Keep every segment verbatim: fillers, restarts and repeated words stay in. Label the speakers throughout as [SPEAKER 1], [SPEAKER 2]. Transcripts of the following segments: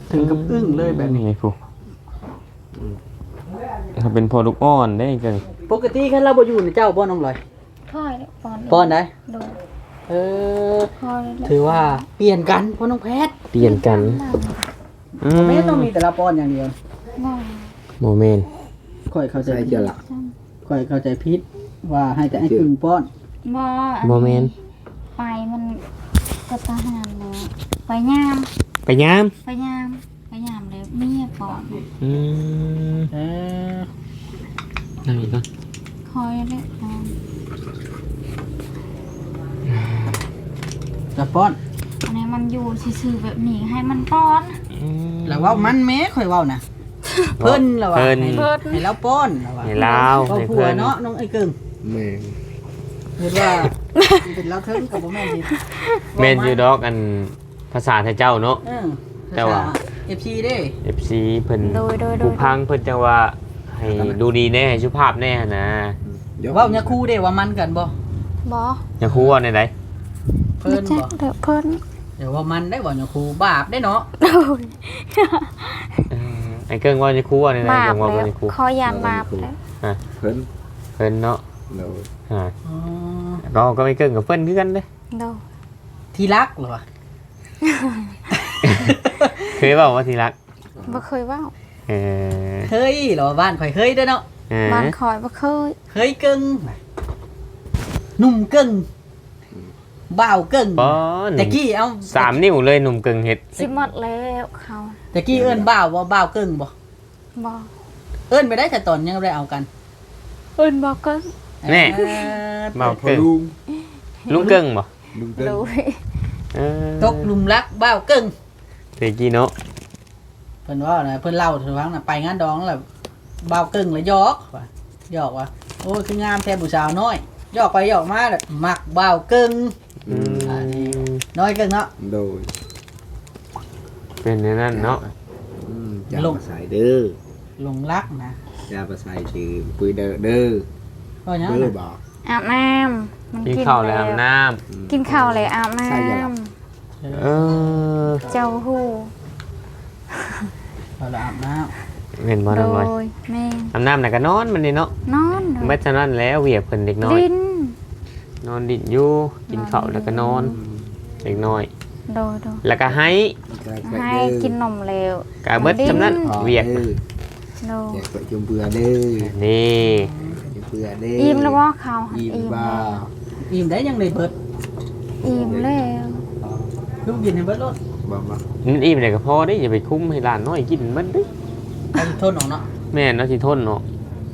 [SPEAKER 1] ถึงกับอึ้งเลยแบบนี้
[SPEAKER 2] ไงผู้เขาเป็นพอลูกอ่อนได้จัง
[SPEAKER 1] ปกติคันเราบ่อยู่ในเจ้าบ่น้องลอย
[SPEAKER 3] พ่อยแล้วป้อน
[SPEAKER 1] ป้อนได้
[SPEAKER 3] โดน
[SPEAKER 1] เออ
[SPEAKER 3] พ่อยแล้ว
[SPEAKER 1] ถือว่าเปลี่ยนกันพ่อน้องแพทย์
[SPEAKER 2] เปลี่ยนกันอื
[SPEAKER 1] ไม่ต้องมีแต่ละป้อนอย่างเดียว
[SPEAKER 3] บ่
[SPEAKER 2] โมเมนต์
[SPEAKER 1] ค่อยเข้าใจ
[SPEAKER 4] ใส่เจอละ
[SPEAKER 1] ค่อยเข้าใจผิดว่าให้แต่ไอ้กึ่งป้อน
[SPEAKER 3] บ่
[SPEAKER 2] โมเมนต์
[SPEAKER 3] ไปมันก็ทหารแล้วไปยาม
[SPEAKER 2] ไปยาม
[SPEAKER 3] ไปยามไปยามแล้วเมียป้อน
[SPEAKER 2] อืม
[SPEAKER 1] เออ
[SPEAKER 2] นั่งอีกก่อน
[SPEAKER 3] คอยแล้วป้อน
[SPEAKER 1] จะป้อน
[SPEAKER 3] อันนี้มันอยู่ซื่อๆแบบนี้ให้มันป้อน
[SPEAKER 2] อืม
[SPEAKER 1] แล้วเว่ามันแม้ค่อยเว้านะเพิ่นแล้วว่า
[SPEAKER 2] เพิ่น
[SPEAKER 1] ให้ให้เราป้อนแล้วว่า
[SPEAKER 2] ให้ลาว
[SPEAKER 1] เว้า
[SPEAKER 2] ให้
[SPEAKER 1] ผัว
[SPEAKER 2] เพื่อน
[SPEAKER 1] เนาะน้องไอ้กึ่ง
[SPEAKER 4] แม่ง
[SPEAKER 1] เห็นว่าเป็นเราเทิงกับบ่แม่นสิ
[SPEAKER 2] เมนยูดอกอันภาษาไทยเจ้าเนาะ
[SPEAKER 1] เออ
[SPEAKER 2] แต่ว่า
[SPEAKER 1] เอฟซีเด้
[SPEAKER 2] เอฟซีเพิ่น
[SPEAKER 3] โดยโดยโด
[SPEAKER 2] ผู้
[SPEAKER 3] ย
[SPEAKER 2] พังเพิ่นจังว่าให้ดูดีแน่ให้สุภาพแน่นะ
[SPEAKER 4] เดี๋ยว
[SPEAKER 1] เว้าเนี่ยคู่เด้ว่ามันกันบ่
[SPEAKER 3] บ่
[SPEAKER 2] อย่าคูว่าในใด
[SPEAKER 1] เพิ่น
[SPEAKER 3] จั
[SPEAKER 1] บ่
[SPEAKER 3] กเด้อเพิ่น
[SPEAKER 1] เดี๋ยวว่ามันได้บ่เนี่ยคู่บาปได้เนาะ
[SPEAKER 3] โดย
[SPEAKER 2] เออไอ้เกิ้งว่าจะคูว่าในใด
[SPEAKER 3] บาป
[SPEAKER 2] เกิ้งว่า
[SPEAKER 3] แล้
[SPEAKER 2] บ่
[SPEAKER 3] ว
[SPEAKER 2] ได้คู
[SPEAKER 3] ขอยานบาปแล้ว
[SPEAKER 4] เพิ่น
[SPEAKER 2] เพิ่นเนาะ
[SPEAKER 4] เรา
[SPEAKER 2] อ่า
[SPEAKER 1] อ๋อ
[SPEAKER 2] ก็ก็ไม่เกิ้งกับเพิ่นคือกันเด้
[SPEAKER 3] โดย
[SPEAKER 1] ที่รักเหรอวะ
[SPEAKER 2] เคยเว้าว่าที่รัก
[SPEAKER 3] บ่เคยเว้า
[SPEAKER 2] เออ
[SPEAKER 1] เฮ้ยเหรอบ้านข่อยเฮ้ยเด้อเนาะ
[SPEAKER 2] เออ
[SPEAKER 3] บ้านคอยบ่เคย
[SPEAKER 1] เฮ้ยกึ่งหนุ่มกึ่งบ่าวกึ่ง
[SPEAKER 2] ป้อน
[SPEAKER 1] แต่กี้เอา
[SPEAKER 2] สามนิ้วเลยหนุ่มกึ่งเฮ็ด
[SPEAKER 3] สิหมดแล้วเขา
[SPEAKER 1] แต่กี้เอิ้นบ่าวบ่บ่าวกึ่งบ่
[SPEAKER 3] บ่
[SPEAKER 1] เอิ้นไปได้แต่ตอนยังบ่ได้เอากัน
[SPEAKER 3] เอิ้นบ่ก็
[SPEAKER 2] แน่
[SPEAKER 1] เออ
[SPEAKER 2] เบา
[SPEAKER 4] พอ
[SPEAKER 2] เกิ้ง
[SPEAKER 4] ลุง
[SPEAKER 2] ลุงเกิ้งบ่
[SPEAKER 4] ลุงเกิ้ง
[SPEAKER 3] รู้
[SPEAKER 2] เออ
[SPEAKER 1] ตกหลุมรักบ่าวกึ่ง
[SPEAKER 2] เตกี้เนาะ
[SPEAKER 1] เพิ่นว่าน่ะเพิ่นเล่าถึงว่าน่ะไปงานดองแล้วบ่าวกึ่งแล้วหยอกว่าหยอกว่าโอ้ยคืองามแท้ผู้สาวน้อยหยอกไปหยอกมาแล้วมักบ่าวกึ่ง
[SPEAKER 2] อืม
[SPEAKER 1] น้อยกึ่งเนาะ
[SPEAKER 4] โดย
[SPEAKER 2] เป็นอย่างนั้นเนาะ
[SPEAKER 4] อืมอย่ามาใส่เด้อ
[SPEAKER 1] หลงรักนะ
[SPEAKER 4] อย่ามาใส่ชื่อปุยเด้อเด้อ
[SPEAKER 1] ก็ยัง
[SPEAKER 4] เด้อ
[SPEAKER 1] น่ะ
[SPEAKER 4] บอก
[SPEAKER 3] อาบน้ำมัน
[SPEAKER 2] กิน
[SPEAKER 3] กิน
[SPEAKER 2] ข้าวแล้วอาบน้
[SPEAKER 4] อืม
[SPEAKER 3] กินข้าวแล้วอาบน้
[SPEAKER 4] ใช่จ้ะ
[SPEAKER 2] ำเออ
[SPEAKER 3] ำเจ้าฮู้
[SPEAKER 1] พอละอาบน้
[SPEAKER 2] เห็นบ่
[SPEAKER 3] โด
[SPEAKER 2] น้องน้อย
[SPEAKER 3] ยแม่
[SPEAKER 2] อาบน้ำน่ะก็นอนมันนี่เนาะ
[SPEAKER 3] นอน
[SPEAKER 2] ไม่ฉะนั้นแล้วเวียบเพิ่นเด็กน้อย
[SPEAKER 3] ลิ้น
[SPEAKER 2] นอนดิ่นอยู่กินข้าวแล้วก็นอนเด็กน้อย
[SPEAKER 3] โดยโดย
[SPEAKER 2] แล้วก็ให้
[SPEAKER 3] ให้กินนมแล้ว
[SPEAKER 2] กะเบิดจำนั้น
[SPEAKER 4] ขอ
[SPEAKER 2] เวียก
[SPEAKER 4] เด้อ
[SPEAKER 3] โดย
[SPEAKER 4] อยากไปจมเบื่อเด้อ
[SPEAKER 2] นี่
[SPEAKER 4] จมเบื่อเด้อ
[SPEAKER 3] อิ่มแล้วบ่ข้าวหัน
[SPEAKER 4] อิ่ม
[SPEAKER 3] อิ่ม
[SPEAKER 4] บ้า
[SPEAKER 1] ำอิ่มได้ยังเลยเบิด
[SPEAKER 3] อิ่มแล้ว
[SPEAKER 1] ลูกกินให้เบิดรถ
[SPEAKER 4] บ้าบ้า
[SPEAKER 2] มันอิ่มเลยก็พอได้อย่าไปคุ้มให้หลานน้อยกินมันเด้
[SPEAKER 1] ไปทนออกเนาะ
[SPEAKER 2] แม่นเนาะสิทนเนาะ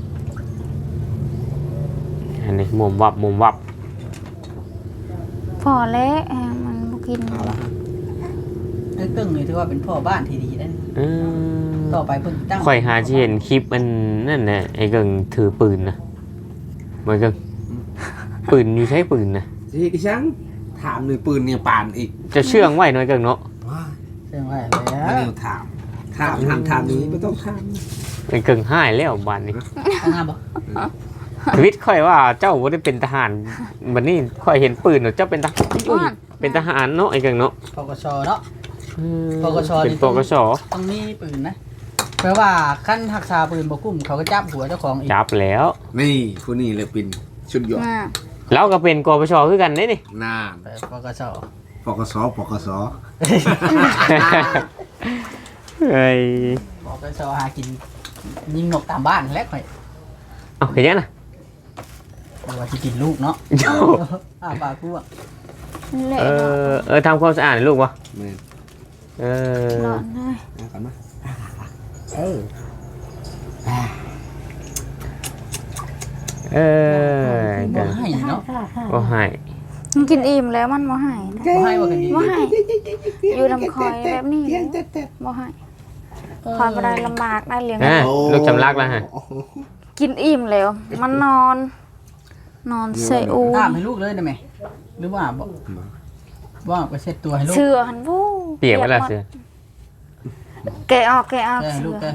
[SPEAKER 2] อันนี้หมุมวับหมุมวับ
[SPEAKER 3] พอแล้วแฮะมันบ่กิน
[SPEAKER 4] เอาละ
[SPEAKER 1] ไอ้ตึ้งนี่ถือว่าเป็นพ่อบ้านที่ดีได้
[SPEAKER 2] เออ
[SPEAKER 1] ต่อไปเพิ่นตั้ง
[SPEAKER 2] ข่อยหาที่เห็นคลิปมันนั่นน่ะไอ้เกิงถือปืนนะเหมือนเกิงปืนอยู่ใช้ปืนนะ
[SPEAKER 4] สิกิชังถามหน่อยปืนเนี่ยปานอีก
[SPEAKER 2] จะเชื่องไว้หน่อยเกิงเนาะ
[SPEAKER 4] ว้า
[SPEAKER 1] เรื่องว่า
[SPEAKER 4] ไม่
[SPEAKER 1] แล้
[SPEAKER 4] ได้
[SPEAKER 1] ว
[SPEAKER 4] ถามถามถามถามนี้ไม่ต้องถาม
[SPEAKER 2] ไอ้เกิงห้ายแล้วบ้านนี้
[SPEAKER 1] ข้างหน้าบ่
[SPEAKER 2] ชีวิตข่อยว่าเจ้าบ่ได้เป็นทหารบัดนี้ข่อยเห็นปืนเนาะเจ้าเป็นทหารอุ้ยเป็นทหารเนาะไอ้เกิงเนาะ
[SPEAKER 1] ปกชเนาะ ปกช
[SPEAKER 2] เป็นปกช
[SPEAKER 1] ต้องมีปืนนะแปลว่าขั้นหักษาปืนบ่กุ้มเขาก็จับหัวเจ้าของอีก
[SPEAKER 2] จับแล้ว
[SPEAKER 4] นี่ผู้นี้เลยเป็นชุดยอด
[SPEAKER 3] มา
[SPEAKER 2] แล้วก็เป็นกปชคือกันเด้นี่
[SPEAKER 4] นาน
[SPEAKER 1] แต่ปกช
[SPEAKER 4] ปกสปกส
[SPEAKER 2] เฮ้ย
[SPEAKER 1] ปกชหากินยิงนกตามบ้านแหล้วค่อย
[SPEAKER 2] เอาเห็นยังน่ะ
[SPEAKER 1] หรือว่าสิกินลูกเนาะอ้าปากกูอ่ะ
[SPEAKER 3] เละ
[SPEAKER 2] เอ
[SPEAKER 3] เนาะ
[SPEAKER 2] อเออทำความสะอาดให้ลูกวะ
[SPEAKER 4] แม่น
[SPEAKER 2] เออ
[SPEAKER 3] ร้อนเลย
[SPEAKER 4] เอากันมา
[SPEAKER 1] เออ
[SPEAKER 2] เออ
[SPEAKER 1] บ่ให้เนาะ
[SPEAKER 2] ก็ให้
[SPEAKER 3] มันกินอิ่มแล้วมันบ่ให้นะ
[SPEAKER 1] บ่ให้บ่กันดี
[SPEAKER 3] บ่ให้อยู่ลำคอยแบบนี้เลยบ่ให้คอยบ่ได้ลำบากได้เลี้ยง
[SPEAKER 2] อ่ะลูกจำลักแล้วฮะ
[SPEAKER 3] กินอิ่มแล้ว มันนอน นอนเซอู
[SPEAKER 1] อาบให้ลูกเลยได้ไหมหรือว่าอาบบ่บ่อาบก็เช็ดตัวให้ลูก
[SPEAKER 3] เสือหันวู้
[SPEAKER 2] เปียกไปแล้วเสือ
[SPEAKER 3] แกะออกแกะออก
[SPEAKER 1] แกให้
[SPEAKER 3] เสื
[SPEAKER 1] ลูก
[SPEAKER 3] อ
[SPEAKER 1] แกให้ลูก
[SPEAKER 2] เ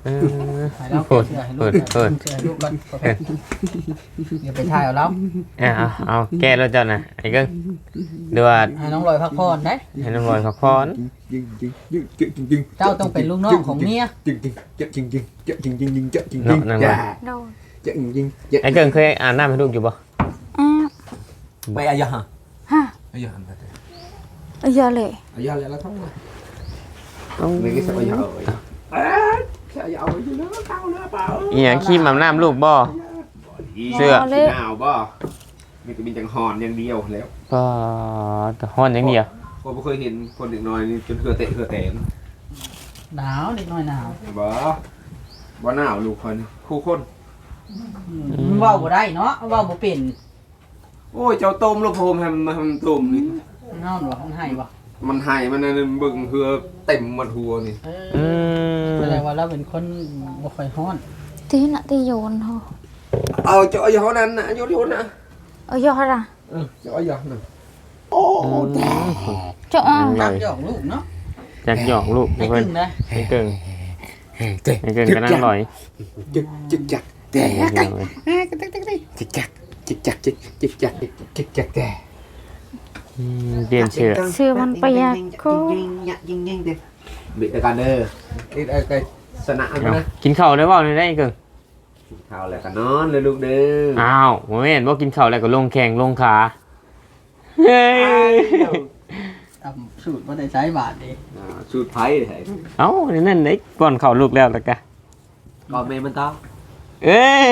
[SPEAKER 2] เออ
[SPEAKER 1] ให้เรา
[SPEAKER 2] เปิด
[SPEAKER 1] เชื่อให้ลู
[SPEAKER 2] เปิ
[SPEAKER 1] ก
[SPEAKER 2] ดเปิด
[SPEAKER 1] เชื่อให้ลูกก่อนโอเคอย่าไปถ่ายเอาแล้ว
[SPEAKER 2] เอาเอาเอาแก้แล้วเจ้าน่ะไอ้เกิ้งเดือด
[SPEAKER 1] ให้น้องลอยพักผ่อนได้
[SPEAKER 2] ให้น้ำลอยพักผ่อน
[SPEAKER 4] ยิงยิงยิงยิงยิงยิง
[SPEAKER 1] เจ้าต้องเป็นลูกน้องของเมีย
[SPEAKER 4] ยิงยิงยิงยิงยิงยิงยิงยิงยิงยิง
[SPEAKER 2] เนาะนั่น
[SPEAKER 4] จ้า
[SPEAKER 2] ว่า
[SPEAKER 3] โดน
[SPEAKER 4] ยิงยิงยิง
[SPEAKER 2] ไอ้เกิ้งเคยอาบน้ำให้ลูกอยู่บ่
[SPEAKER 3] อ้าว
[SPEAKER 4] ไม่อายะฮะ
[SPEAKER 3] ฮะ
[SPEAKER 4] อายะฮะ
[SPEAKER 3] เอาเยอะเลย
[SPEAKER 4] อายะแล้วทั้งหมด
[SPEAKER 2] ต้อง
[SPEAKER 4] ไม่กี่สัปดาห์เลยเอ๊ะแค่อยาเอาไปเนาะเต้าเนาะเปล่า
[SPEAKER 2] อีหยังขี้อาบน้ำลูกบ่ เสื้อ
[SPEAKER 4] สีหนาวบ่มีแต่มีจังหอนอย่างเดียวแล้ว
[SPEAKER 2] ก็แต่ฮ้อนอย่างเดียว
[SPEAKER 4] ผมไม่เคยเห็นคนเด็กน้อยนี่จนเหือเตะเหือแตน
[SPEAKER 1] หนาวนิดหน่อยหนาว
[SPEAKER 4] บ่บ่หนาวลูกคนคู่คน
[SPEAKER 1] มันเว้าบ่ได้เนาะเว้าบ่เป็น
[SPEAKER 4] โอ้ยเจ้าต้มลูกโพมให้มันมาทำต้มนี่
[SPEAKER 1] นอนบ่มันให้บ่
[SPEAKER 4] มันหายมันนั่นเบิ่งเหือเต็มหมดหัวนี่
[SPEAKER 1] เอ
[SPEAKER 2] อื
[SPEAKER 1] อ
[SPEAKER 2] ม
[SPEAKER 1] แสดงว่าเราเป็นคนบ่ค่อยฮ้อน
[SPEAKER 3] tí nạ tí dồn thôi
[SPEAKER 4] เอาเจ้าเอาอย่างนั้นนะโยนโยนนะ
[SPEAKER 3] ở do ra
[SPEAKER 4] เออเจ้าเอาอย่างนั้นโอ้แต่
[SPEAKER 3] chỗ
[SPEAKER 1] จักหยอกลูกเนาะ
[SPEAKER 2] อยากหยอกลูก
[SPEAKER 1] ให้
[SPEAKER 2] เพิ่
[SPEAKER 1] ขึ้
[SPEAKER 2] น
[SPEAKER 1] นนะ
[SPEAKER 2] ไอ้เกิ้ง
[SPEAKER 4] เจ๊
[SPEAKER 2] ไอ้เกิ้งก็นั่งลอย
[SPEAKER 4] จิกจิกจักแต่
[SPEAKER 2] ไอ้เกิ้งเลย
[SPEAKER 4] จิกจักจิกจักจิกจิกจักจิกจักแต่
[SPEAKER 2] อืมเปลี่ยนเชือก
[SPEAKER 3] xưaมันไปยากcô
[SPEAKER 4] บิดกันเด้อนี่ไอ้ไอ้สนะมัน
[SPEAKER 2] เอา
[SPEAKER 4] นะ
[SPEAKER 2] กินข้าวได้บ่ได้ไอ้เกิ้ง
[SPEAKER 4] ข้าวแล้วก็นอนเลยลูกเด้อ
[SPEAKER 2] อ้าวบ่แม่นบ่กินข้าวแล้วก็ลงแข้งลงขาเฮ้ย
[SPEAKER 1] เอาสูตรบ่ได้ใช้บาทดิ
[SPEAKER 4] อ่าสูตรไผ่ไอ้
[SPEAKER 2] เอ้านั่นไอ้ป้อนข้าวลูกแล้วแล้วกะ
[SPEAKER 4] ก่อนแม่มันต้อง
[SPEAKER 2] เอ้ย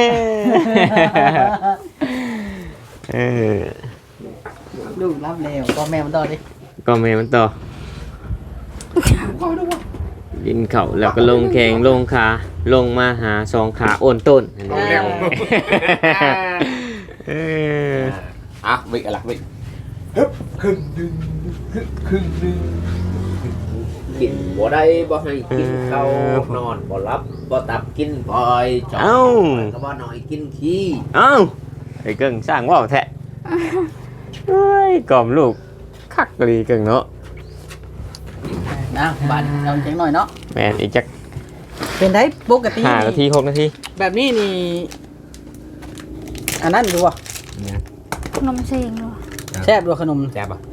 [SPEAKER 2] เออ
[SPEAKER 1] ลูกรับแล้วก็แม่มันต่อดิ
[SPEAKER 2] ก็แม่มันต่อกินข้าวแล้วก็ลงแข้งลงขาลงมาหาสองขาโอนต้นอันนี้
[SPEAKER 4] แล้ว
[SPEAKER 2] เออ
[SPEAKER 4] อ่ะบิดอะไรบิดฮึบครึ่งดึงฮึบครึ่งดึงกินบ่ได้บ่ให้กินข้าวนอนบ่รับบ่ตับกินบ่อยจอ
[SPEAKER 2] เอ้า
[SPEAKER 4] ก็บ่หน่อยกินขี้
[SPEAKER 2] เอ้าไอ้เกิ้งสร้างว่าวแท้เฮ้ยกล่อมลูกคักกะลีเกิ้งเนาะ
[SPEAKER 1] นะบาทเราจังหน่อยเนาะ
[SPEAKER 2] แม่นอีกจัก
[SPEAKER 1] เป็นได้ปกติ
[SPEAKER 2] ห้านาที
[SPEAKER 1] นี่
[SPEAKER 2] หกนาที
[SPEAKER 1] แบบนี้นี่อันนั้นดูว่ะ
[SPEAKER 3] nông xiên rồi
[SPEAKER 1] แซ่บด้วยขนม
[SPEAKER 4] แซ่บอ่ะ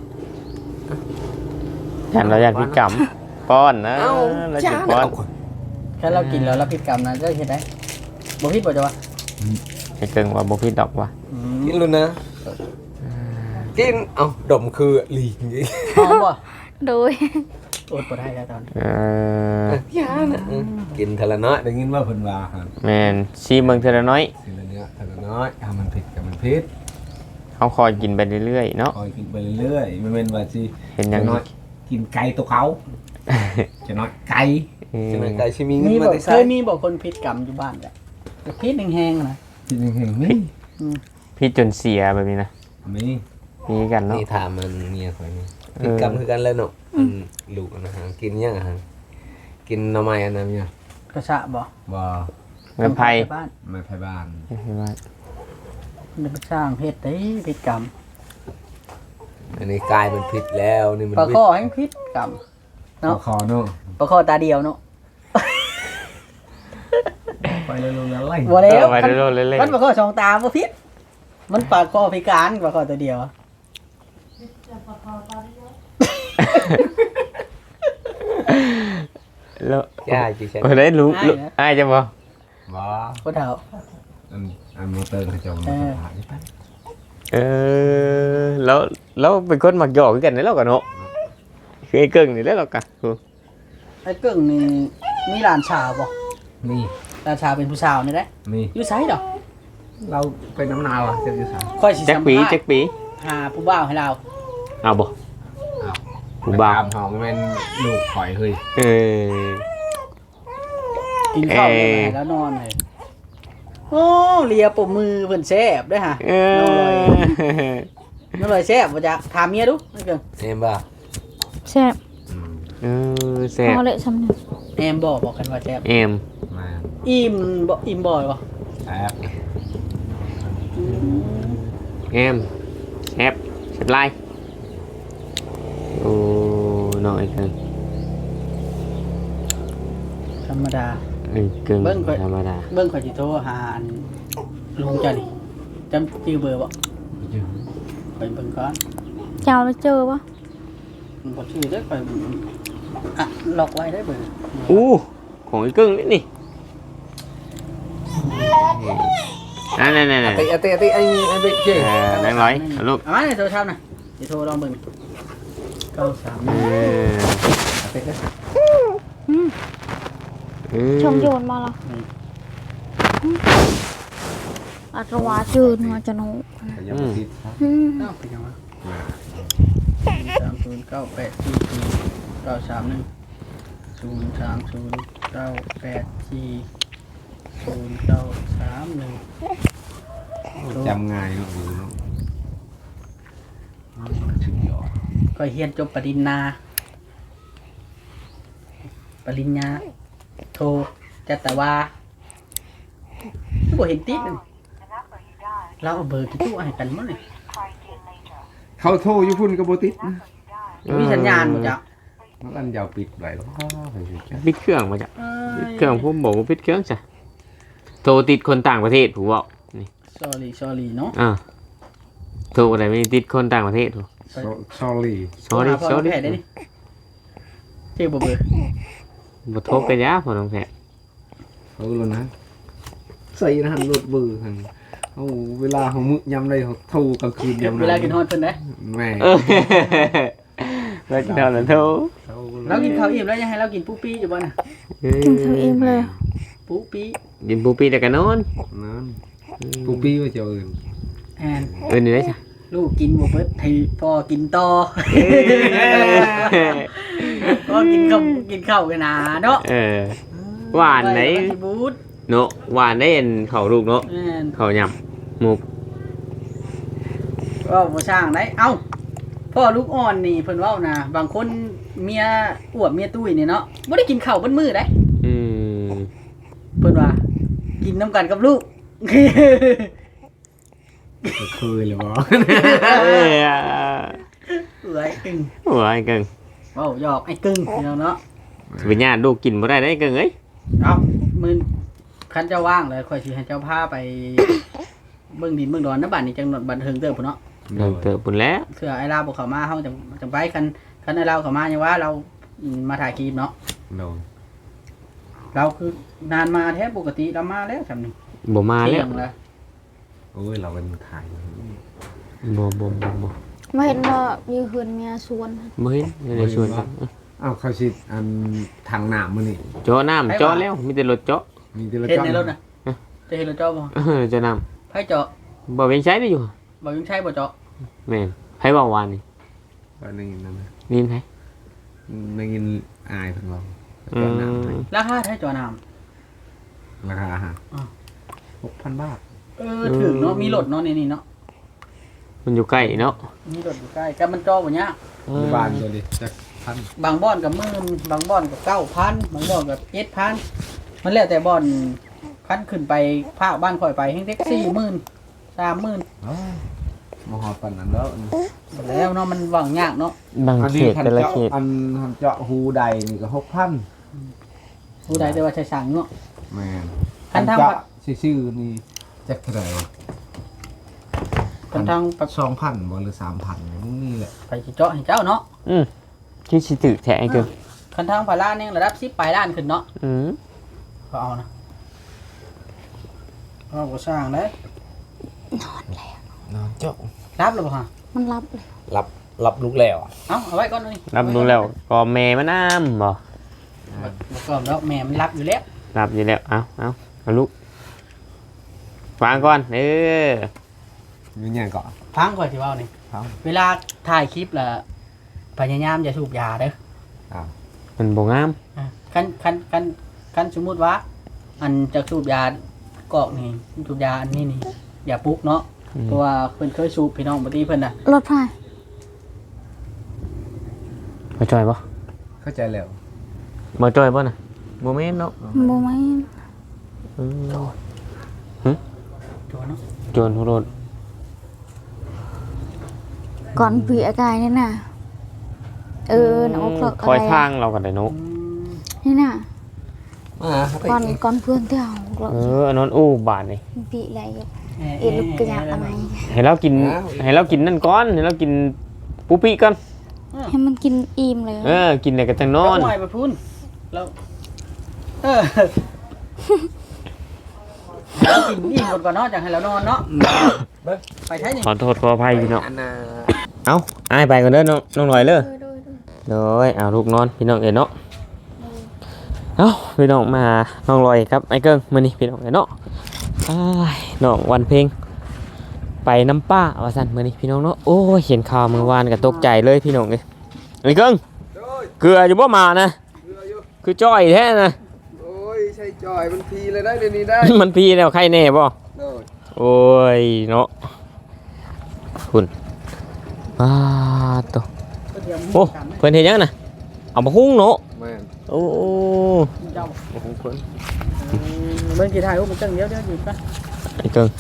[SPEAKER 2] ฉันเราอยากพิกรรมป้อนนะ
[SPEAKER 4] เอ้า
[SPEAKER 2] เรา
[SPEAKER 4] จ้า
[SPEAKER 2] จะป้อน
[SPEAKER 1] แค่เรากินแล้วเราผิดกรรมนะจะเห็นได้บ่ผิดบ่จ้ะวะ
[SPEAKER 2] ไอ้เกิ้งว่าบ่ผิดดอกว่ะ
[SPEAKER 1] อืม
[SPEAKER 4] กินluônนะกินเอ้าดมคือหลีกอย่างงี้
[SPEAKER 1] หอมบ่
[SPEAKER 3] đuôi
[SPEAKER 1] อดบ่ได้แล้วตอนนี้
[SPEAKER 2] เออ
[SPEAKER 4] ยานะกินทะละน้อยได้ยินว่าเพิ่นว่าครับ
[SPEAKER 2] แม่นซีเมืองเทอละน้อย
[SPEAKER 4] ทีละเนื้อทะละน้อยถ้ามันผิดกับมันผิด
[SPEAKER 2] เขาคอยกินไปเรื่อยๆเนาะ
[SPEAKER 4] คอยกินไปเรื่อยๆมันเป็นว่าสิ
[SPEAKER 2] เห็นยัง
[SPEAKER 4] จะน้อยกินไก่ตัวเขาจะน้อยไก่
[SPEAKER 2] อืม
[SPEAKER 4] จะน้อยไก่ชิมีเงิน
[SPEAKER 1] มี
[SPEAKER 4] มา
[SPEAKER 1] บ่
[SPEAKER 4] ได้
[SPEAKER 1] เค
[SPEAKER 4] ใส่
[SPEAKER 1] ยมีบ่คนผิดกรรมอยู่บ้านแหละแต่ผิดแห้งๆนะ
[SPEAKER 4] กินเห็นนี่
[SPEAKER 2] พี่จนเสียแบบนี้นะ
[SPEAKER 4] มี
[SPEAKER 2] มีกันเนาะ
[SPEAKER 4] นี่ถามมันเมียคอยนี่
[SPEAKER 2] เออ
[SPEAKER 4] กินกรรมคือกันเลยเนาะอืมลูกอันนะฮะกินยังอะฮะกินหน่อไม้อันนั้นเนี่ย
[SPEAKER 1] กระชะบ่
[SPEAKER 4] บ่
[SPEAKER 2] เงินไพ่
[SPEAKER 1] บ้าน
[SPEAKER 4] ไม่ไผบ้าน
[SPEAKER 1] มันไปสร้างเพศได้ผิดกรรม
[SPEAKER 4] อันนี้กลายเป็นผิดแล้วนี่มัน
[SPEAKER 1] ปลา
[SPEAKER 4] ผิด
[SPEAKER 1] ข้อให้ผิดกรรม
[SPEAKER 4] ปลาคอเนาะ
[SPEAKER 1] ปลาข้อตาเดียวเนาะ
[SPEAKER 4] ไปเลยลงแล้วไล่
[SPEAKER 1] บ่แล้ว
[SPEAKER 2] ไปเรื่อยๆเรื่อย
[SPEAKER 1] มันปลาข้อสองตาบ่ผิดมันปลาข้อพิการปลาข้อตัวเดียว
[SPEAKER 2] ๆแล้ว
[SPEAKER 4] ย่าจีใช่
[SPEAKER 2] เออได้รู้รู้อ้ายจะบ่
[SPEAKER 4] บ่
[SPEAKER 1] บ่เฒ่า
[SPEAKER 4] อันอันมอเตอร์เขาจะมา
[SPEAKER 1] เออ
[SPEAKER 4] หาที่ไป
[SPEAKER 2] เออแล้วแล้วเป็นคนมักหยอกคือกันนี่แล้วกันเนาะคือไอ้เกิ้งนี่แล้วเรากันคือ
[SPEAKER 1] ไอ้เกิ้งนี่มีหลานชาวบ่
[SPEAKER 4] นี่
[SPEAKER 1] หลานชาวเป็นผู้สาวนี่แหละ
[SPEAKER 4] นี่
[SPEAKER 1] อยู่ไสดอก
[SPEAKER 4] เราเป็นน้ำนาวอ่ะเจะอยู่สาม
[SPEAKER 1] ค่อยสิ
[SPEAKER 2] แจ็ค
[SPEAKER 1] สัม
[SPEAKER 2] ปี
[SPEAKER 1] ภาษ
[SPEAKER 2] แจ็ค
[SPEAKER 1] ณ์
[SPEAKER 2] ปี
[SPEAKER 1] หาผู้บ่าวให้เรา
[SPEAKER 2] เอาบ่
[SPEAKER 4] อ้าว
[SPEAKER 2] ผู้บ่าว
[SPEAKER 4] ตามหอมเป็นลูกข่อยเฮ้ย
[SPEAKER 2] เออ
[SPEAKER 1] กินข้าว
[SPEAKER 2] เอ่
[SPEAKER 1] แล้ว
[SPEAKER 2] อ
[SPEAKER 1] แล้วนอนเลยโอ้เลียปมมือเพิ่นแซ่บเด้อฮะ
[SPEAKER 2] เอ
[SPEAKER 1] น้องลอย
[SPEAKER 2] อ
[SPEAKER 1] น้องลอยแซ่บบ่จ๊ะถามเมียดูไอ้เกิ้ง
[SPEAKER 4] เอ็มบ่า
[SPEAKER 3] xẹp
[SPEAKER 4] อืม
[SPEAKER 2] เออแซ่บ
[SPEAKER 3] ho lệ xăm nhập
[SPEAKER 1] แอมบอกบอกกันว่าแซ่บ
[SPEAKER 2] เอ็ม
[SPEAKER 4] มา
[SPEAKER 1] อิ่มบ่อิ่มบ่อยบ่
[SPEAKER 4] แอบ
[SPEAKER 2] เอ็มแซ่บแซ่บไล่โอ้น้องไอ้เกิ้ง
[SPEAKER 1] ธรรมดา
[SPEAKER 2] อเอ้ยกึ่งธรรมดา
[SPEAKER 1] เบิ่งข่อยสิโทรหาอันลุงเจ้านี่จำชื่อเบอร์บ่ข่อยเบิ่งก่อน
[SPEAKER 3] เจ้าแล้วเจอปะ
[SPEAKER 1] มันบ่ชื่อเด้อข่อยอ่ะล็อกไว้ได้เบอร์
[SPEAKER 2] อู้ของไอ้กึ่งนี่นี่นั่นนั่นนั่น
[SPEAKER 4] เตะเตะเตะไอ้ไอ้เบ็ดเจ๊
[SPEAKER 2] นั่งร้อยลูก
[SPEAKER 1] เอามาในโทรศัพท์น่ะสิโทรลองเบิ่งเก้าสาม
[SPEAKER 2] เออ
[SPEAKER 4] เตะเตะ
[SPEAKER 3] อืม
[SPEAKER 2] เออ
[SPEAKER 3] ชมโยนมาละอัตวาจืดมาจะโน
[SPEAKER 4] ยังไม่ติดครับ
[SPEAKER 3] อืม
[SPEAKER 1] เอ้าเป็นยังวะสามศูนย์เก้าแปดสี่สี่เก้าสามหนึ่งศูนย์สามศูนย์เก้าแปดสี่ศูนย์เก้าสามหนึ่ง
[SPEAKER 4] จำง่ายลูกดูเนาะชื่อยอด
[SPEAKER 1] ก็เฮียนจบปริญญาปริญญาโทจัตวาบ่เห็นติดนั่นเราเอาเบอร์กี่ตู้ให้กันมั้งเนี่ย
[SPEAKER 4] เขาโทรอยู่พุ่นกับโบติดนะ
[SPEAKER 1] มีสัญญาณหมดจ้ะ
[SPEAKER 4] มันอันยาวปิดไว้แล้ว
[SPEAKER 2] ปิดเครื่องมาจ้ะปิดเครื่องผมบอกว่าปิดเครื่องจ้ะโทรติดคนต่างประเทศผมบอกนี่
[SPEAKER 1] sorry sorry เนาะ
[SPEAKER 2] อ่าโทรอะไรไม่ติดคนต่างประเทศถูก
[SPEAKER 4] ซอรี่
[SPEAKER 2] sorry
[SPEAKER 1] โทรหาพ่อ
[SPEAKER 2] sorry
[SPEAKER 1] แพทย์ได้นี่เจ๊บ่เบอร์
[SPEAKER 2] บ่โทรไปยาพอน้องแพทย์
[SPEAKER 4] เขาแล้วนะใส่นะฮันรถเบอร์ฮันเอาเวลาเขามึกยำได้เขาโทรกลางคืนยำ
[SPEAKER 1] เวลากินฮอดเพิ่นได้
[SPEAKER 4] แม่
[SPEAKER 2] เออแล้วกินตอนนั้นโทร
[SPEAKER 1] เรากินข้าวอิ่มแล้วยังให้เรากินปูปี้อยู่บ่น่ะ
[SPEAKER 3] กินข้าวเองเลย
[SPEAKER 1] ปูปี้
[SPEAKER 2] กินปูปีแต่กันนอน
[SPEAKER 4] นั่นปูปี้ว่าจะอื่น
[SPEAKER 1] แอน
[SPEAKER 2] เออนี่ได้จ้ะ
[SPEAKER 1] ลูกกินบ่เบิดให้พ่อกินต่อพ่อกินข้าวกินข้าวกันนะเนาะ
[SPEAKER 2] เออหวานไหน
[SPEAKER 1] ว้แล้วก็สิบูด
[SPEAKER 2] เนาะหวานได้เห็นเขาลูกเนาะ
[SPEAKER 1] แม่น
[SPEAKER 2] เขายำหมูก
[SPEAKER 1] ก็บ่สร้างได้เอ้าพ่อลูกอ่อนนี่เพิ่นเว้านะบางคนเมียอ้วบเมียตุ้ยนี่เนาะบ่ได้กินข้าวเบิดมื้อได้
[SPEAKER 2] อืม
[SPEAKER 1] เพิ่นว่ากินน้ำกันกับลูก
[SPEAKER 4] เคยเลยบอ
[SPEAKER 2] เอ้ย
[SPEAKER 1] เอ้ยกึ่ง
[SPEAKER 2] โอ้ยเกิง
[SPEAKER 1] เว้าหยอกไอ้กึ่งพี่น้องเนาะ
[SPEAKER 2] สิเป็นญาติลูกกินบ่ได้ได้เกิงเอ้ย
[SPEAKER 1] เอ้ามื้อคันเจ้าว่างเลยค่อยสิให้เจ้าพาไป เบิ่งดินเบิ่งดอนนะบัดนี้จังหวัดบันเทิงเด้อพุ่นเนาะ
[SPEAKER 2] เดินเติบปุ่นแล้ว
[SPEAKER 1] เทื่อไอ้ลาวบ่เข้ามาเฮาจังจังไปคันคันไอ้ลาวเข้ามายังว่าเราอืมมาถ่ายคลิปเนาะ
[SPEAKER 4] โดน
[SPEAKER 1] เราคือนานมาแท้ปกติเรามาแล้วจำนี่
[SPEAKER 2] บ่มาแล้ว
[SPEAKER 1] เที่ยงแล้ว
[SPEAKER 4] โอ้ยเราเป็นขาย
[SPEAKER 2] บ่บ่บ่บ่
[SPEAKER 3] ไม่เห็นว่ามีเฮือนเมียสวน
[SPEAKER 2] บ่เห็นไม่ได้ชวนกัน
[SPEAKER 4] อ้าวเขาสิอันทางหนามมันนี่
[SPEAKER 2] เจาะน้ำเจาะแล้วมีแต่รถเจาะ
[SPEAKER 4] มีแต่ละ
[SPEAKER 1] เห็น
[SPEAKER 4] จ้อง
[SPEAKER 1] ในรถน่ะจะเห็นรถเจาะบ่
[SPEAKER 2] เออเจาะน้
[SPEAKER 1] ไผเจาะ
[SPEAKER 2] ำบ่เป็นใช้ได้อยู่
[SPEAKER 1] บ่ยังใช้บ่เจาะ
[SPEAKER 2] แม่นไผเว้าวานนี่
[SPEAKER 4] ว่าในนั้นนะ
[SPEAKER 2] นี่ไผ
[SPEAKER 4] ในเงินอายเพิ่นเรา
[SPEAKER 2] อื
[SPEAKER 4] เจ้าหนาม
[SPEAKER 2] ม
[SPEAKER 4] ให้
[SPEAKER 1] ราคาไผเจาะน้ำ
[SPEAKER 4] ราคาอาหาร
[SPEAKER 1] อ่า
[SPEAKER 4] หกพันบาท
[SPEAKER 1] เออถึงเนาะมีรถเนาะนี่นี่เนาะ
[SPEAKER 2] มันอยู่ใกล้เนาะ
[SPEAKER 1] มีรถอยู่ใกล้แต่มันเจาะบ่ยาก
[SPEAKER 4] มีบ้านตัวนี้จักพัน
[SPEAKER 1] บางบ่อนก็หมื่นบางบ่อนก็เก้าพันบางบ่อนก็เจ็ดพันมันแล้วแต่บ่อนคันขึ้นไปภาคบ้านข่อยไปแฮงเท็กสี่หมื่นสามหมื่น
[SPEAKER 4] อ๋อมาหอดปันนั้นแล้ว
[SPEAKER 1] แล้วเนาะมันหวังยากเนาะ
[SPEAKER 2] บาง
[SPEAKER 4] อัน
[SPEAKER 2] เข
[SPEAKER 4] นี้
[SPEAKER 2] ต
[SPEAKER 4] ทัน
[SPEAKER 2] แต่ละ
[SPEAKER 4] เจาะ
[SPEAKER 2] เขต
[SPEAKER 4] อันทันเจาะหูใดนี่ก็หกพัน
[SPEAKER 1] ผู้ใดแต่ว่าใช้สั่งเนาะ
[SPEAKER 4] แม่น
[SPEAKER 1] คันทาง
[SPEAKER 4] เจาะชื่อๆนี่จักเท่าไหร่
[SPEAKER 1] คันทางปัด
[SPEAKER 4] สองพันบ่หรือสามพันนี่แหละ
[SPEAKER 1] ไปสิเจาะให้เจ้าเนาะ
[SPEAKER 2] อืมคิดสิตึกแท้ไอ้เกิง
[SPEAKER 1] คันทางพาราเนี่ยระดับสิบปลายล้านขึ้นเนาะ
[SPEAKER 2] อืม
[SPEAKER 1] ก็เอานะเราก็สร้างได้
[SPEAKER 4] นอนเจาะ
[SPEAKER 1] รับหรือเปล่าฮะ
[SPEAKER 3] มันรับเลย
[SPEAKER 4] รับรับลูกแล้ว
[SPEAKER 1] เอาเอาไว้ก่อนเลย
[SPEAKER 2] รับรู้แล้วก็แม่มาน้ำบ่
[SPEAKER 1] แล้วก็แล้วแม่มันรับอยู่แล้ว
[SPEAKER 2] รับอยู่แล้วเอาเอาเอาลูกฟังก่อนเออ
[SPEAKER 4] มีอย่างก่อน
[SPEAKER 1] ฟังก่อนที่ว่านี่
[SPEAKER 4] ครับ
[SPEAKER 1] เวลาถ่ายคลิปล่ะพยายามอย่าสูบยาเด้อ
[SPEAKER 2] มันบ่งาม
[SPEAKER 1] อ่ะคันคันคันคันสมมุติว่า อันจะสูบยากอกนี่สูบยาอันนี้นี่อย่าปลุกเนาะ
[SPEAKER 2] อืม
[SPEAKER 1] เพราะว่าเพิ่นเคยสูบพี่น้องบ่ตีเพิ่นน่ะ
[SPEAKER 3] รถไฟ
[SPEAKER 2] มาจอยบ่
[SPEAKER 4] เข้าใจแล้ว
[SPEAKER 2] มาจอยบ่น่ะบ่แม่นเนาะ
[SPEAKER 3] โมไม่
[SPEAKER 2] อืม
[SPEAKER 1] โจเนาะ
[SPEAKER 2] โจรทุรน
[SPEAKER 3] ก่อนปีอากายนี่น่ะเออหนาวเพลิก
[SPEAKER 2] ค
[SPEAKER 3] อะ
[SPEAKER 2] อย
[SPEAKER 3] ไร
[SPEAKER 2] ทางเรากันได้เนาะ
[SPEAKER 1] อืม
[SPEAKER 3] นี่น่ะ
[SPEAKER 4] มาครับ
[SPEAKER 3] ก่อนก่อนเพื่อนเที่ยว
[SPEAKER 2] เอออันนั้นอู้บาดนี่
[SPEAKER 3] bị lại ít lúc cái nhà tao này
[SPEAKER 2] ให้เรากินให้เรากินนั่นก่อนให้เรากินปูปี้ก่อน
[SPEAKER 3] ให้มันกินอิ่มเลย
[SPEAKER 2] เออกินแล้วก็จังนอน
[SPEAKER 1] หน่อยไปพุ่นแล้วเออเรากินอิ่มก่อนเนาะจากให้เรานอนเนาะไปใช้นี่
[SPEAKER 2] ขอโทษขออภัยพี่น้อง
[SPEAKER 4] อันน่ะ
[SPEAKER 2] เอ้าอ้ายไปก่อนเด้อน้องน้องหน่อยเด้อโดยเอาลูกนอนพี่น้องเอ้ยเนาะเอ้าพี่น้องมาน้องลอยครับไอ้เกิ้งมื้อนี้พี่น้องเอ้ยเนาะอ้ายน้องวันเพ็งไปน้ำป้าว่าซั่นมื้อนี้พี่น้องเนาะโอ้ยเห็นข่าวเมื่อวานก็ตกใจเลยพี่น้องเอ้ยไอ้เกิ้งเกลืออยู่บ่มานะคือจ้อยแท้นะ
[SPEAKER 5] โอ้ยใช่จอยมันพีเลยได้เดี๋ยวนี้ได้
[SPEAKER 2] มันพี่แล้วใครแน่บ่
[SPEAKER 5] โดย
[SPEAKER 2] โอ้ยเนาะคุณอ้าตัวโอ้เพิ่นเฮ็ดหยังน่ะเอามาหุ้งเนาะ
[SPEAKER 5] แม่น
[SPEAKER 2] โอ้
[SPEAKER 1] เจ้า
[SPEAKER 2] มาหุ้งเพิ่น
[SPEAKER 1] เบิ่งกี่ถ่ายรูปมันจังเดียวเดี๋ยวหยุดปะ
[SPEAKER 2] ไอ้เกิง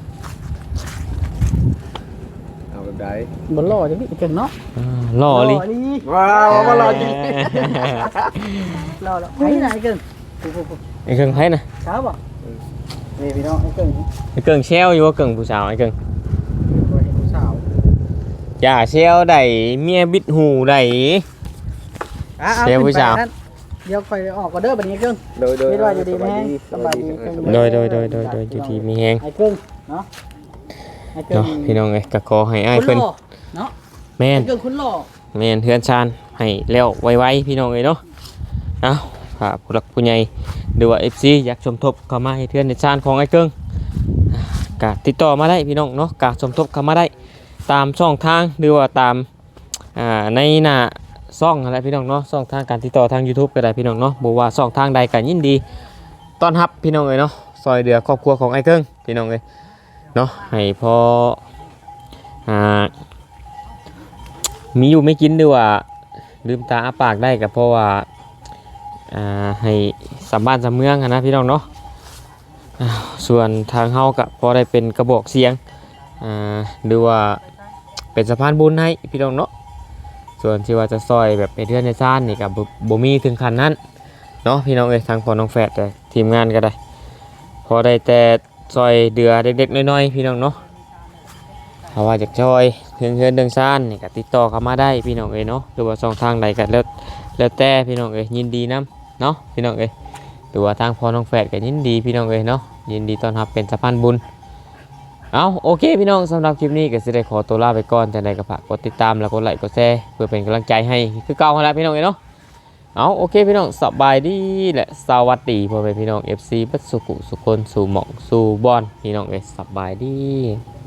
[SPEAKER 5] เอาแบบใด
[SPEAKER 1] บนหล่อจังพี่เก่งเนาะ
[SPEAKER 2] อ่าหล่อลิ
[SPEAKER 1] ดี
[SPEAKER 5] ว้าวมาหล่อจริง
[SPEAKER 1] หล่อแล้วไอ้ไหนเก่งปุ๊บปุ๊บ
[SPEAKER 2] ไอ้เกิงไผน่ะ
[SPEAKER 1] เช้าป่ะนี่พี่น้องไอ้เก่ง
[SPEAKER 2] ไอ้เกิงแซวอยู่ว่าเกิงผู้สาวไอ้เกิง
[SPEAKER 1] ตัวเห็นผู้สาว
[SPEAKER 2] อย่าแซวได้เมียบิดหูได้
[SPEAKER 1] อ่ะเอา
[SPEAKER 2] เดี๋ยวผู้สาว
[SPEAKER 1] ขึ้นไปนั่นเดี๋ยวไปออกก็เด้อบัดนี้เก่ง
[SPEAKER 5] โดยโดย
[SPEAKER 1] คิดว่าอยู่ดีไหมสบายดี
[SPEAKER 2] โดยโดยโดยโดยโดยอยู่ที่มีแฮง
[SPEAKER 1] ไอ้เก่งเนาะไอ้เก่ง
[SPEAKER 2] เนาะพี่น้องเอ้ยก็ขอให้อ้าย
[SPEAKER 1] คุณ
[SPEAKER 2] เพิ่น
[SPEAKER 1] หล่อเนาะ
[SPEAKER 2] แม่น
[SPEAKER 1] ไอ้เก่งคุณหล่อ
[SPEAKER 2] แม่นเฮือนชานให้แล้วไวๆพี่น้องเอ้ยเนาะเอ้าถ้าผู้หลักผู้ใหญ่หรือว่า เอฟ ซี อยากสมทบเข้ามาให้เฮือนในชานของไอ้เกิงก็ติดต่อมาได้พี่น้องเนาะก็สมทบเข้ามาได้ตามช่องทางหรือว่าตามอ่าในหน้าช่องอะไรพี่น้องเนาะช่องทางการติดต่อทาง YouTube ก็ได้พี่น้องเนาะบ่ว่าช่องทางใดก็ยินดีต้อนรับพี่น้องเอ้ยเนาะซอยเหลือครอบครัวของไอ้เกิงพี่น้องเอ้ยเนาะให้พออ่า มีอยู่ไม่กินด้วยว่าลืมตาอ้าปากได้ก็เพราะว่าอ่าให้สามบ้านสามเมืองอะนะพี่น้องเนาะอ้าวส่วนทางเฮาก็พอได้เป็นกระบอกเสียงอ่าหรือว่าเป็นสะพานบุญให้พี่น้องเนาะส่วนที่ว่าจะซอยแบบไปเทือนในซ่านนี่ก็บ่บ่มีถึงขั้นนั้นเนาะพี่น้องเอ้ยทางพ่อน้องแฝดแต่ทีมงานก็ได้พอได้แต่ซอยเดือเด็กๆน้อยๆพี่น้องเนาะถ้าว่าจากซอยเพื่อนเพื่อนเดิงซ่านนี่ก็ติดต่อเข้ามาได้พี่น้องเอ้ยเนาะหรือว่าช่องทางใดก็แล้วแล้วแต่พี่น้องเอ้ยยินดีนํเนาะพี่น้องเอ้ยหรือว่าทางพ่อน้องแฝดก็ยินดีพี่น้องเอ้ยเนาะยินดีต้อนรับเป็นสะพานบุญเอาโอเคพี่น้องสำหรับคลิปนี้ก็สิได้ขอตัวลาไปก่อนจังใดก็ฝากกดติดตามแล้วกดไลค์กดแชร์เพื่อเป็นกำลังใจให้คือเก่าหั่นแหละพี่น้องเอ้ยเนาะเอาโอเคพี่น้องสบายดีและสวัสดีพ่อแม่พี่น้อง เอฟ ซี เบัดสุขุสุคนสู่หม่องสู่บอนพี่น้องเอ้ยสบายดี